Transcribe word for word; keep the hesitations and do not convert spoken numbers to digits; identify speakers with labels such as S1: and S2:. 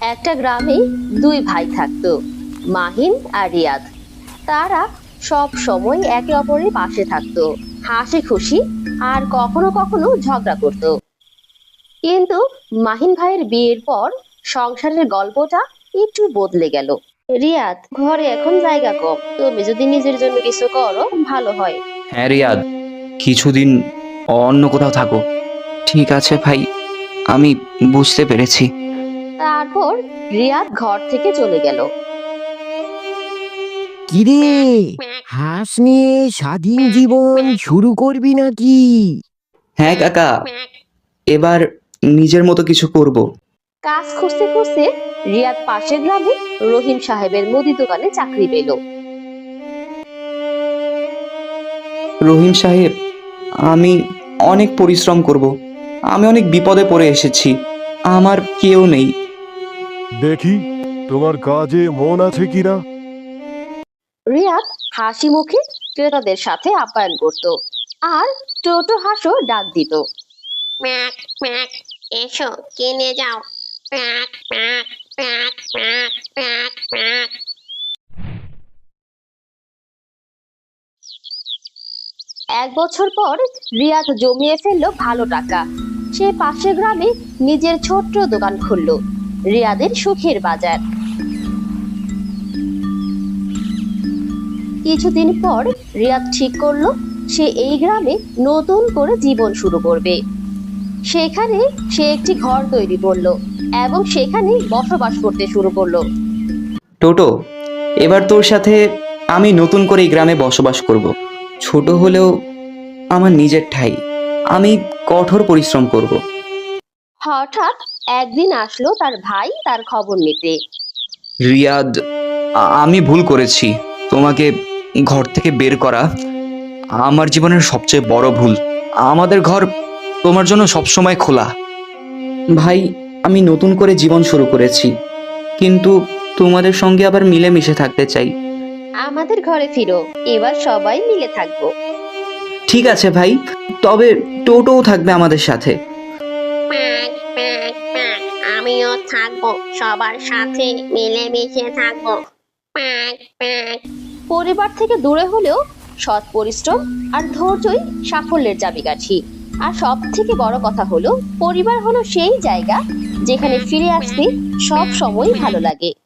S1: একটা গ্রামে দুই ভাই থাকতো, মাহিন আর রিয়াদ। তারা সব সময় একে অপরের পাশে থাকতো, হাসি খুশি আর কখনো কখনো ঝগড়া করত। কিন্তু মাহিন ভাইয়ের বিয়ের পর সংসারের গল্পটা একটু বদলে গেল। রিয়াদ, ঘরে এখন জায়গা কম, তুমি যদি নিজের জন্য কিছু করো ভালো হয়।
S2: হ্যাঁ রিয়াদ, কিছুদিন অন্য কোথাও থাকো। ঠিক আছে ভাই, আমি বুঝতে পেরেছি।
S1: তারপর রিয়াদ ঘর থেকে চলে গেল।
S3: কিরে, হাঁস নিয়ে স্বাধীন জীবন শুরু করবি নাকি?
S2: হ্যাঁ কাকা, এবার নিজের মতো কিছু করব।
S1: কাজ খুঁজতে খুঁজতে রিয়াদ পাশের গ্রামে রহিম সাহেবের মুদি দোকানে চাকরি পেল।
S2: রহিম সাহেব, আমি অনেক পরিশ্রম করব। আমি অনেক বিপদে পড়ে এসেছি, আমার কেউ নেই।
S4: দেখি তোমার কাজে মন আছে কিনা।
S1: রিয়াদ হাসি মুখে ক্রেতাদের সাথে আপ্যায়ন করত আর টোটো হাঁসও ডাক দিত।
S5: প্যাক প্যাক, এসো কিনে যাও। প্যাক প্যাক প্যাক প্যাক প্যাক প্যাক।
S1: এক বছর পর রিয়াদ জমিয়ে ফেললো ভালো টাকা। সে পাশের গ্রামে নিজের ছোট্ট দোকান খুলল, রিয়াদের সুখের বাজার। কিছুদিন পর রিয়াদ ঠিক করলো সে এই গ্রামে নতুন করে জীবন শুরু করবে। সেখানে সে একটি ঘর তৈরি করলো এবং সেখানে বসবাস করতে শুরু করলো।
S2: টোটো, এবার তোর সাথে আমি নতুন করে এই গ্রামে বসবাস করব। ছোট হলেও আমার নিজের ঠাঁই। আমি কঠোর পরিশ্রম করব।
S1: হঠাৎ একদিন আসলো তার ভাই তার খবর নিতে।
S2: রিয়াদ, আ- আমি ভুল করেছি। তোমাকে ঘর থেকে বের করা আমার জীবনের সবচেয়ে বড় ভুল। আমাদের ঘর তোমার জন্য সবসময় খোলা। ভাই, আমি নতুন করে জীবন শুরু করেছি, কিন্তু তোমাদের সঙ্গে আবার মিলেমিশে থাকতে চাই।
S1: আমাদের ঘরে ফিরো, এবার সবাই মিলে থাকবো।
S2: ঠিক আছে ভাই, তবে টোটোও থাকবে আমাদের সাথে।
S5: প্যাক প্যাক প্যাক, আমিও থাকবো, সবার সাথে মিলেমিশে থাকবো। প্যাক প্যাক।
S1: পরিবার থেকে দূরে হলেও সৎ পরিশ্রম আর ধৈর্যই সাফল্যের চাবিকাঠি। আর সব থেকে বড় কথা হলো, পরিবার হলো সেই জায়গা যেখানে ফিরে আসতে সব সময় ভালো লাগে।